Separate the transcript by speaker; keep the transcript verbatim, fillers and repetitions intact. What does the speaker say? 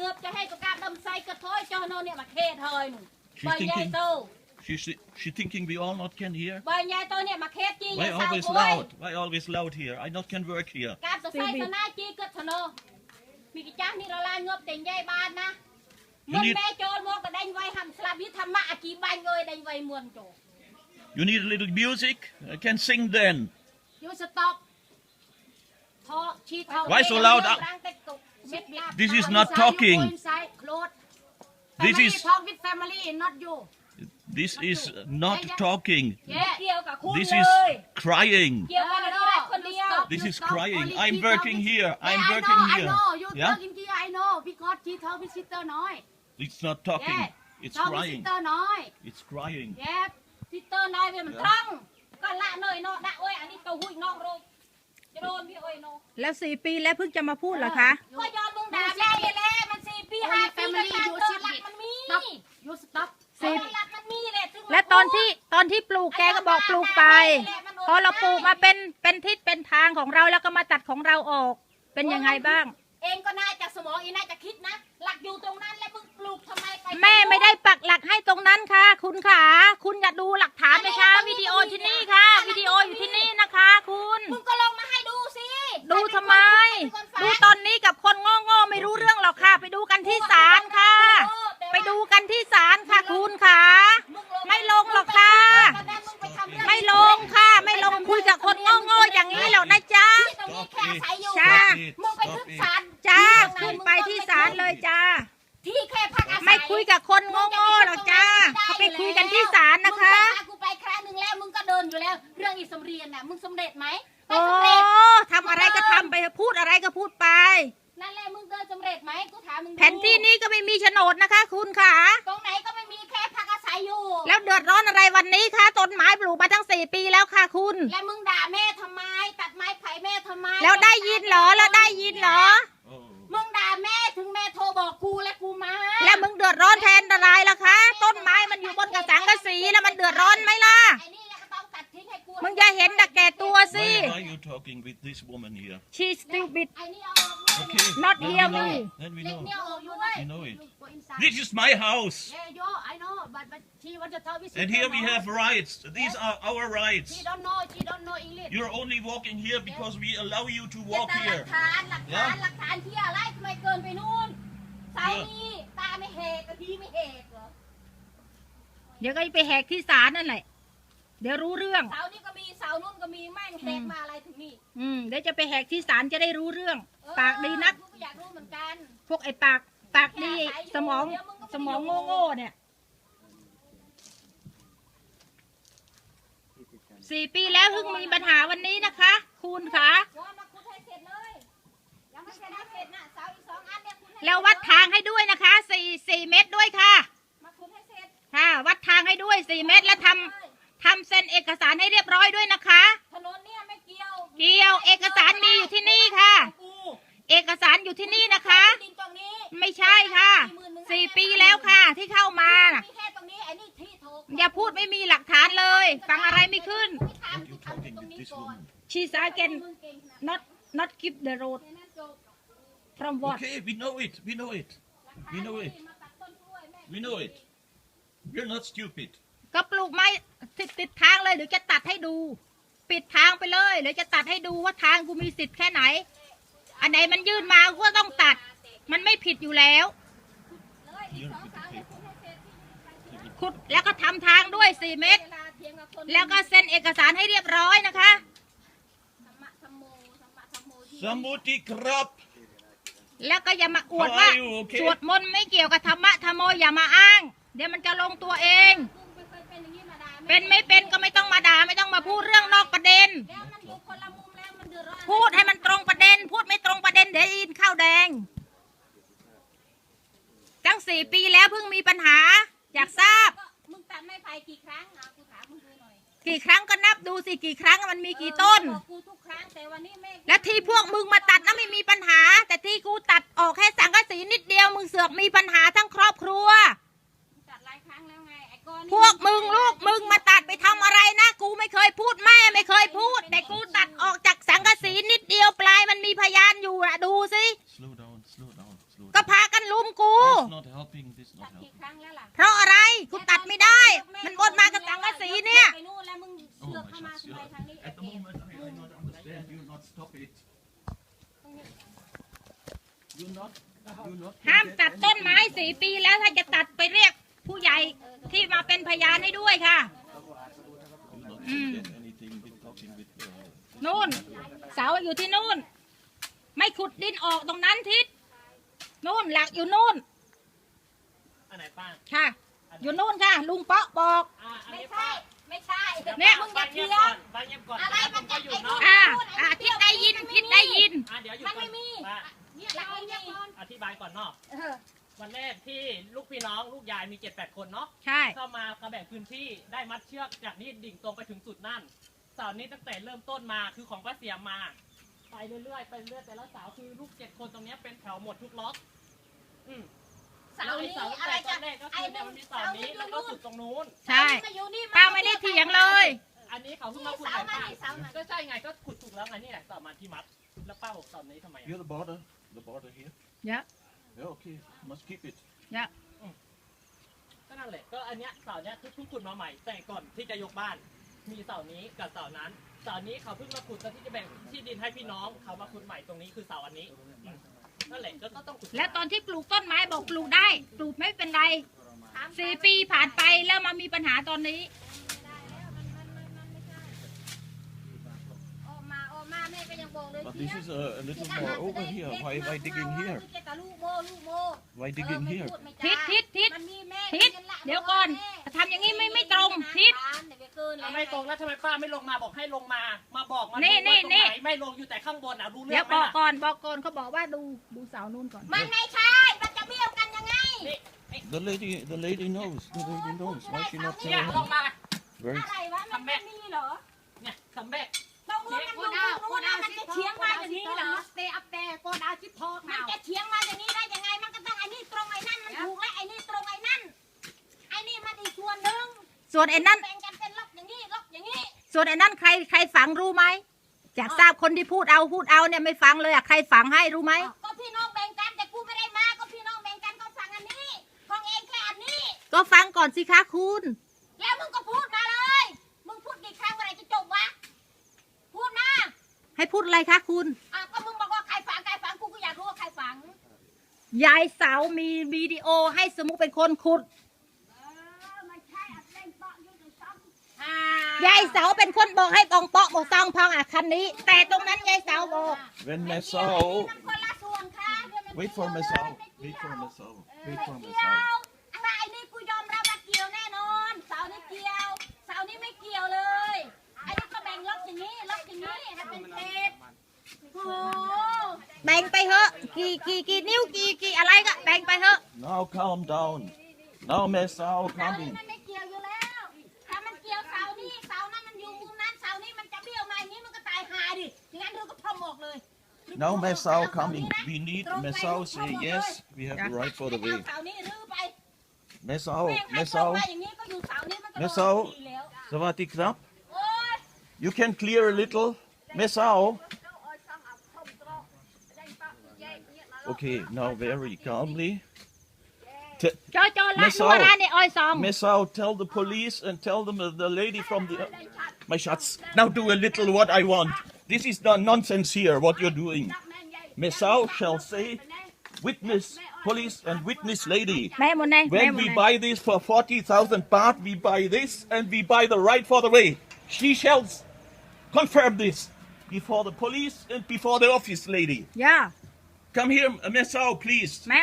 Speaker 1: บจะให้ตัวการดำไซกระท้อยจอนเนี่ยมาเทเธอหนูใบใหญ่โต
Speaker 2: She's she thinking we all not can hear.
Speaker 1: ใบใหญ่โตเนี่ยมาเทจี
Speaker 2: Why always loud? Why always loud here? I not can work here.
Speaker 1: การตัวไซตัวหน้าจีก็ทนอมีกิจการนี่เราลายงบแต่งใหญ่บ้านนะมันแม่โจรมองก็ได้ไว้ทำสลับยุทธรรมะอากีบ้านเลยได้ไว้มวนโจ
Speaker 2: You need a little music. I can sing then.
Speaker 1: You stop.
Speaker 2: Why so loud? This is not talking. This is
Speaker 1: talk with family, not you.
Speaker 2: this is not talking.
Speaker 1: Yeah.
Speaker 2: This is crying. This is crying. I'm working here. I'm working
Speaker 3: I
Speaker 2: here.
Speaker 3: know. You
Speaker 2: Yeah.
Speaker 3: talking here. I know because she talk with sister nói.
Speaker 2: It's not talking. It's
Speaker 3: Talk with
Speaker 2: crying.
Speaker 3: sister nói.
Speaker 2: It's crying.
Speaker 1: Yeah. Sister nói về mình trăng. Còn lạ nơi nó đã ơi, anh đi cầu hụi nó rồi. Cho đồn đi ơi nó.
Speaker 4: แล้วสี่ปีแล้วเพิ่งจะมาพูดเหรอคะ
Speaker 1: Có do mừng đà ra vậy lẽ, mình xì pi hai pi cái càng tơ lặt mình mi.
Speaker 3: Stop. You stop.
Speaker 1: Tơ lặt mình mi nè.
Speaker 4: และตอนที่ตอนที่ปลูกแกก็บอกปลูกไป พอเราปลูกมาเป็นเป็นทิศเป็นทางของเราแล้วก็มาตัดของเราออก เป็นยังไงบ้าง
Speaker 1: เองก็น่าจะสมองอีน่าจะคิดนะ หลักอยู่ตรงนั้นแล้วมึงปลูกทำไมไป
Speaker 4: แม่ไม่ได้ปักหลักให้ตรงนั้นค่ะ คุณขาคุณอย่าดูหลักฐานไหมคะวิดีโอที่นี่ค่ะ วิดีโออยู่ที่นี่นะคะ คุณ
Speaker 1: มึงก็ลงมาให้ดูสิ
Speaker 4: ดูทำไม ดูตอนนี้กับคนโง่ๆไม่รู้เรื่องหรอกค่ะ ไปดูกันที่ศาลค่ะ ไปดูกันที่ศาลค่ะ คุณขาไม่ลงหรอกค่ะ ไม่ลงค่ะ ไม่ลงคุยกับคนโง่ๆอย่างนี้หรอกนะจ๊ะ
Speaker 1: ตรงนี้แค่อาศัยอยู่
Speaker 4: จ้า
Speaker 1: มึงไปขึ้นศาล
Speaker 4: จ้าขึ้นไปที่ศาลเลยจ้า
Speaker 1: ที่แค่พักอาศัย
Speaker 4: ไม่คุยกับคนโง่ๆหรอกจ้าเขาไปคุยกันที่ศาลนะคะ
Speaker 1: มึงพากูไปครั้งหนึ่งแล้วมึงก็เดินอยู่แล้ว เรื่องอีสมเรียนน่ะมึงสำเร็จไหมไม่
Speaker 4: โอ้
Speaker 1: สำเร็จ
Speaker 4: ทำอะไรก็ทำไปพูดอะไรก็พูดไป
Speaker 1: นั่นแหละมึงเดินสำเร็จไหมกูถามมึงดู
Speaker 4: แผนที่นี้ก็ไม่มีโฉนดนะคะ คุณขา
Speaker 1: ตรงไหนก็ไม่มีแค่พักอาศัยอยู่
Speaker 4: แล้วเดือดร้อนอะไรวันนี้คะต้นไม้ปลูกมาตั้งสี่ปีแล้วค่ะคุณ
Speaker 1: แล้วมึงด่าแม่ทำไม ตัดไม้ไผ่แม่ทำไม
Speaker 4: แล้วได้ยินเหรอแล้วได้ยินเหรอ
Speaker 2: Oh.
Speaker 1: มึงด่าแม่ถึงแม่โทรบอกกูและกูมา
Speaker 4: แล้วมึงเดือดร้อนแทนอะไรล่ะคะ ต้นไม้มันอยู่บนกระสังกระสีแล้วมันเดือดร้อนไหมล่ะ
Speaker 1: ไอ้นี่ก็ต้องตัดทิ้งให้กู
Speaker 4: มึงอย่าเห็นแต่แก่ตัวสิ
Speaker 2: Why, why are you talking with this woman here?
Speaker 4: She's stupid
Speaker 1: ไอ้นี่เอาออกด้วย
Speaker 2: Okay.
Speaker 4: Not
Speaker 2: then
Speaker 4: hear
Speaker 2: we know.
Speaker 4: me.
Speaker 2: Then we
Speaker 1: เด็ก
Speaker 2: know.
Speaker 1: เนี่ยเอาออกด้วย
Speaker 2: We know it.
Speaker 3: Go inside.
Speaker 2: This is my house.
Speaker 3: Yeah, yo, I know, but but she want to talk with sister.
Speaker 2: And here we
Speaker 3: nói.
Speaker 2: have rights. These are our
Speaker 3: She
Speaker 2: rights.
Speaker 3: don't know. She don't know English.
Speaker 2: You're only walking here because we allow you to
Speaker 1: อย่า
Speaker 2: walk
Speaker 1: แต่หลั
Speaker 2: here.
Speaker 1: กฐานหลักฐานหลักฐานที่อะไรทำไมเกินไปนู่นเสานี้ตาไม่เหกกะทีไม่เหกเหรอ
Speaker 4: เดี๋ยวก็ไปแหกที่ศาลนั่นแหละ เดี๋ยวรู้เรื่อง
Speaker 1: เสานี้ก็มีเสานู่นก็มีแม่งเหกมาอะไรถึงนี่
Speaker 4: อืมเดี๋ยวจะไปแหกที่ศาลจะได้รู้เรื่อง
Speaker 1: เออ
Speaker 4: ปากดีนัก
Speaker 1: กูก็อยากรู้เหมือนกัน
Speaker 4: พวกไอ้ปากปากดีสมองสมองโง่ๆเนี่ยสี่ปีแล้วเพิ่งมีปัญหาวันนี้นะคะ คุณคะ
Speaker 1: ว่ามาคุดให้เสร็จเลยยังไม่เสร็จนะเสร็จนะเสาอีกสองอันเนี่ยคุดให้
Speaker 4: แล้ววัดทางให้ด้วยนะคะสี่สี่เมตรด้วยค่ะ
Speaker 1: มาคุดให้เสร็จ
Speaker 4: ค่ะ วัดทางให้ด้วยสี่เมตรและทำทำเซ็นเอกสารให้เรียบร้อยด้วยนะคะ
Speaker 1: ถนนเนี่ยไม่เกี่ยว
Speaker 4: เกี่ยวเอกสารมีอยู่ที่นี่ค่ะ
Speaker 1: กู
Speaker 4: เอกสารอยู่ที่นี่นะคะ
Speaker 1: ดินตรงนี้
Speaker 4: ไม่ใช่ค่ะสี่ปีแล้วค่ะที่เข้ามาน่ะ
Speaker 1: มีแค่ตรงนี้ไอ้นี่ที่โถ
Speaker 4: อย่าพูดไม่มีหลักฐานเลย ฟังอะไรไม่ขึ้น
Speaker 1: ไม่ทำ
Speaker 2: Are
Speaker 1: กู
Speaker 2: you
Speaker 1: ทำ
Speaker 2: talking
Speaker 1: ตรง
Speaker 2: with
Speaker 1: นี้
Speaker 2: this
Speaker 1: ก่อน
Speaker 2: woman?
Speaker 4: She's again
Speaker 1: มึงเก่งขนาด
Speaker 4: not not keep the road
Speaker 1: นั้นจบ
Speaker 4: from what
Speaker 2: Okay, we know it. We know it. We know it.
Speaker 1: มาตัดต้นกล้วยแม่
Speaker 2: We know it. We're not stupid.
Speaker 4: ก็ปลูกไม้ติดติดทางเลยเดี๋ยวจะตัดให้ดู ปิดทางไปเลยเดี๋ยวจะตัดให้ดูว่าทางกูมีสิทธิ์แค่ไหน อันไหนมันยื่นมากูก็ต้องตัด มันไม่ผิดอยู่แล้ว
Speaker 1: เลยอีกสองสามเนี่ยคุดให้เสร็จ
Speaker 4: ขุดแล้วก็ทำทางด้วยสี่เมตร
Speaker 1: เวลาเถียงกับคน
Speaker 4: แล้วก็เซ็นเอกสารให้เรียบร้อยนะคะ
Speaker 1: ธรรมะธรรมโมธรรมะธรรมโมที่
Speaker 2: Samuti krap.
Speaker 4: แล้วก็อย่ามาอวดว่า
Speaker 2: How are you? Okay.
Speaker 4: สวดมนต์ไม่เกี่ยวกับธรรมะธรรมโมอย่ามาอ้าง เดี๋ยวมันจะลงตัวเอง
Speaker 1: กูไม่เคยเป็นอย่างนี้มาด่าแม่
Speaker 4: เป็นไม่เป็นก็ไม่ต้องมาด่าไม่ต้องมาพูดเรื่องนอกประเด็น
Speaker 1: แล้วมันอยู่คนละมุมแล้วมันเดือดร้อน
Speaker 4: พูดให้มันตรงประเด็น พูดไม่ตรงประเด็นเดี๋ยวยินข้าวแดงตั้งสี่ปีแล้วเพิ่งมีปัญหา อยากทราบ
Speaker 1: ก็มึงตัดไม้ไผ่กี่ครั้งอ่ะกูถามมึงดูหน่อย
Speaker 4: กี่ครั้งก็นับดูสิกี่ครั้งมันมีกี่ต้น
Speaker 1: เออบอกกูทุกครั้งแต่วันนี้แม่
Speaker 4: และที่พวกมึงมาตัดนั้นไม่มีปัญหา แต่ที่กูตัดออกแค่สังกะสีนิดเดียวมึงเสือกมีปัญหาทั้งครอบครัว
Speaker 1: ตัดหลายครั้งแล้วไงไอ้ก้อนนี่
Speaker 4: พวกมึงลูกมึงมาตัดไปทำอะไรนะ กูไม่เคยพูดแม่ไม่เคยพูด แต่กูตัดออกจากสังกะสีนิดเดียวปลายมันมีพยานอยู่นะดูสิ
Speaker 2: Slow down, slow down, slow
Speaker 4: ก็
Speaker 2: down.
Speaker 4: พากันลุมกู
Speaker 2: is
Speaker 1: ตั
Speaker 2: not
Speaker 1: ดกี่
Speaker 2: helping.
Speaker 1: ครั้งแล้วล่ะ
Speaker 4: เพราะอะไรคุณตัดไม่ได้ มันบนมากับสังกะสีเนี่ย
Speaker 1: ไปนู่นแล้วมึง
Speaker 2: Oh
Speaker 1: เสือก
Speaker 2: my
Speaker 1: เข้ามา
Speaker 2: shots.
Speaker 1: ทำไม
Speaker 2: Yeah.
Speaker 1: ทางนี้
Speaker 2: At the moment, I, I not understand. You not stop it. You not. You not.
Speaker 4: ห้ามตัดต้นไม้สี่ปีแล้วถ้าจะตัดไปเรียกผู้ใหญ่ที่มาเป็นพยานให้ด้วยค่ะ
Speaker 2: You not get anything with talking with. Uh,
Speaker 4: นู่นเสาอยู่ที่นู่น ไม่ขุดดินออกตรงนั้นทิศนู่นหลักอยู่นู่น
Speaker 5: อันไหนป้า
Speaker 4: ค่ะ อยู่นู่นค่ะ ลุงเปาะบอก
Speaker 5: อ่าอัน
Speaker 1: ไม่
Speaker 5: นี้
Speaker 1: ใช่
Speaker 5: ป้า
Speaker 1: ไม่ใช่
Speaker 4: เนี่ย
Speaker 1: มึงอ
Speaker 5: ป้า
Speaker 1: ย่า
Speaker 5: เงี
Speaker 1: เถี
Speaker 5: ยบ
Speaker 1: ย
Speaker 5: ก่อง นป้าเงียบก่อน
Speaker 1: อะไร
Speaker 5: ผ
Speaker 1: มัน
Speaker 5: มก็
Speaker 1: จะ
Speaker 5: อยู่
Speaker 1: ไอ้
Speaker 5: เนาะ
Speaker 4: อ่าอ่าทิศได้ยินทิศได้ยิน
Speaker 5: อ่าเดี๋ยวอยู่
Speaker 1: มัน
Speaker 5: ก่อ
Speaker 1: ไม่
Speaker 5: น
Speaker 1: มี
Speaker 5: ป้า
Speaker 3: เนี่ยเราเรียกก่อน
Speaker 5: อธิบายก่อนเนาะ
Speaker 1: เออ
Speaker 5: วันแรกที่ลูกพี่น้องลูกยายมีเจ็ดแปดคนเนาะ
Speaker 4: ใช่
Speaker 5: เข้ามาเขาแบ่งพื้นที่ได้มัดเชือกจากนี่ดิ่งตรงไปถึงสุดนั่นเสานี้ตั้งแต่เริ่มต้นมาคือของป้าเสียมมา ไปเรื่อยๆไปเรื่อยแต่ละเสาคือลูกเจ็ดคนตรงเนี้ยเป็นแถวหมดทุกล็อกอืม
Speaker 1: เสานี้อะไร
Speaker 5: แล้ว
Speaker 1: จะ
Speaker 5: ไอ้เสาตั้งแต่ต้นแรกก็
Speaker 1: ไอ้
Speaker 5: คือ
Speaker 1: นึ
Speaker 5: มัน
Speaker 1: ง
Speaker 5: มี
Speaker 1: เสา
Speaker 5: เสา
Speaker 1: นี้
Speaker 5: นี้
Speaker 1: อ
Speaker 5: แล้ว
Speaker 1: ยู่
Speaker 5: ก็
Speaker 1: นู่น
Speaker 5: สุดตรงนู้น
Speaker 4: ใช่
Speaker 1: มาอยู่นี่
Speaker 4: ป้าไม่ได้เถียงเลย
Speaker 5: อันนี้เขาเพิ่งมาขุด
Speaker 1: เสา
Speaker 5: ใหม่
Speaker 1: มา
Speaker 5: ป้า
Speaker 1: นี่เสามา
Speaker 5: ก็ใช่ไงก็ขุดถูกแล้วไงนี่แหละเสามาที่มัดแล้วป้าบอกเสานี้ทำไมอะ
Speaker 2: You're the border. The border here.
Speaker 4: เยอะ
Speaker 2: Yeah. Okay. Must keep it.
Speaker 4: เยอะ
Speaker 5: ก็นั่นแหละก็อันเนี้ยเสาเนี้ยคือเพิ่งขุดมาใหม่แต่ก่อนที่จะยกบ้าน มีเสานี้กับเสานั้นเสานี้เขาเพิ่งมาขุดตอนที่จะแบ่งที่ดินให้พี่น้องเขามาขุดใหม่ตรงนี้คือเสาอันนี้นั่นแหละก็ต้องขุด
Speaker 4: แล้วตอนที่ปลูกต้นไม้บอกปลูกได้ ปลูกไม่เป็นไรสี่ปีผ่านไปแล้วมามีปัญหาตอนนี้
Speaker 1: ออกมาออกมาแม่ก็ยังบอกเลย
Speaker 2: But this is a, a little more over here. Why, why digging here?
Speaker 1: มีแต่ลูกโมลูกโม
Speaker 2: Why digging here?
Speaker 4: ทิศทิศทิศ
Speaker 1: มันมีแม่
Speaker 4: ทิศเดี๋ยวก่อนทำอย่างนี้ไม่ไม่ตรงทิศ
Speaker 5: เอาไม่ตรงแล้วทำไมป้าไม่ลงมาบอกให้ลงมา มาบอกมา
Speaker 4: นี่
Speaker 5: ดูว่า
Speaker 4: นี่
Speaker 5: ตรง
Speaker 4: นี่
Speaker 5: ไหนไม่ลงอยู่แต่ข้างบนอ่ะรู้เรื่
Speaker 4: เดี๋
Speaker 5: อย ง
Speaker 4: ว
Speaker 5: ไหม
Speaker 4: บอก
Speaker 5: ล่ะ
Speaker 4: ก่อนบอกก่อนเขาบอกว่าดูดูเสานู่นก่อน
Speaker 1: มันไม่ใช่ มันจะเบี้ยวกันยังไง
Speaker 5: นี่
Speaker 2: The lady, the lady knows. The lady knows. Why she not
Speaker 5: เนี่ย
Speaker 2: telling
Speaker 5: ลง
Speaker 2: her?
Speaker 5: มา
Speaker 2: Very.
Speaker 1: อะไรวะ มันไม่มีเหรอ
Speaker 5: เนี่ยสำเร็จ
Speaker 1: ตรงนู้นมัน
Speaker 3: โก
Speaker 1: อยู่
Speaker 3: ดาว
Speaker 1: ตรง
Speaker 3: โก
Speaker 1: นู้น
Speaker 3: ดา
Speaker 1: นะ
Speaker 3: ว
Speaker 1: มันจะเฉียงมาอย่างนี้เหรอ
Speaker 3: สเตย์อัพแต่โกดาวชิดทอก
Speaker 1: มัน
Speaker 3: เอา
Speaker 1: จะเฉียงมาอย่างนี้ได้ยังไง มันก็ต้องไอ้นี่ตรงไอ้นั่น มันถูกและไอ้นี่ตรงไอ้นั่น ไอ้นี่มันอีกส่วนหนึ่ง
Speaker 4: ส่วนไอ้นั่น
Speaker 1: แบ่งกันเป็นล็อกอย่างนี้ล็อกอย่างนี้
Speaker 4: ส่วนไอ้นั่นใครใครฝังรู้ไหมจากทราบคนที่พูดเอาพูดเอาเนี่ยไม่ฟังเลยอะใครฝังให้รู้ไหม
Speaker 1: ก็พี่น้องแบ่งกันแต่กูไม่ได้มา ก็พี่น้องแบ่งกันก็สั่งอันนี้ ของเองแค่อันนี้
Speaker 4: ก็ฟังก่อนสิคะคุณ
Speaker 1: แล้วมึงก็พูดมาเลย มึงพูดกี่ครั้งเมื่อไหรจะจบวะ พูดมา
Speaker 4: ให้พูดอะไรคะคุณ
Speaker 1: อ่ะก็มึงบอกว่าใครฝังใครฝังกูก็อยากรู้ว่าใครฝัง
Speaker 4: ยายเสามีวิดีโอให้สมุกเป็นคนขุด
Speaker 1: เออมันใช่อัดเล่นเปาะอยู่ในซ้ำอ่า
Speaker 4: ยายเสาเป็นคนบอกให้ตองเปาะบอกซองพองอ่ะคันนี้ แต่ตรงนั้นยายเสาบอก
Speaker 2: When
Speaker 1: ไม่
Speaker 2: my
Speaker 1: เกี่ยวไอ้นี่
Speaker 2: soul.
Speaker 1: มันคนละส่วนค่ะเดี๋ยวมัน
Speaker 2: Wait for my soul. Wait for my soul.
Speaker 1: ไม่
Speaker 2: Wait for my
Speaker 1: เกี่ยว
Speaker 2: soul.
Speaker 1: อะไรไอ้นี่กูยอมรับว่าเกี่ยวแน่นอน เสานี่เกี่ยว เสานี่ไม่เกี่ยวเลย ไอ้นี่ก็แบ่งล็อกอย่างนี้ ล็อกอย่างนี้ให้เป็นเศษโอ้โห
Speaker 4: แบ่งไปเถอะกี่กี่กี่นิ้วกี่กี่อะไรก็แบ่งไปเถอะ
Speaker 2: Now calm down. Now my soul
Speaker 1: เสานี่
Speaker 2: coming.
Speaker 1: มันไม่เกี่ยวอยู่แล้ว ถ้ามันเกี่ยวเสานี่เสานั้นมันอยู่มุมนั้น เสานี่มันจะเบี้ยวมาอย่างนี้มันก็ตายหาดิอย่างนั้นเธอก็พร้อมออกเลย
Speaker 2: Now my soul coming. We need my soul say yes. We have the right for the
Speaker 1: เอา
Speaker 2: way.
Speaker 1: เสานี่รื้อไป
Speaker 2: My soul.
Speaker 1: แม่งให้
Speaker 2: My
Speaker 1: ตรง
Speaker 2: soul.
Speaker 1: มาอย่างนี้ก็อยู่เสานี่มันก็
Speaker 2: แม่
Speaker 1: โดน
Speaker 2: เสา
Speaker 1: ทีแล้ว
Speaker 2: Savati krap.
Speaker 1: โอ้ย
Speaker 2: You can clear a little. My soul. Okay. Now very calmly. T-
Speaker 4: จอจอละ
Speaker 2: ไม่เศร้า
Speaker 4: รัวร้านในอ้อยซอง
Speaker 2: My soul. Tell the police and tell them uh, the lady from the. My shots. Now do a little what I want. This is the nonsense here. What you're doing. My soul shall say, witness police and witness lady.
Speaker 4: แม่หมดเลยแม่
Speaker 2: When
Speaker 4: หมด
Speaker 2: we
Speaker 4: เลย
Speaker 2: buy this for forty thousand baht, we buy this and we buy the right for the way. She shall s- confirm this before the police and before the office lady.
Speaker 4: ย่า
Speaker 2: Come here, Miss Sao, please.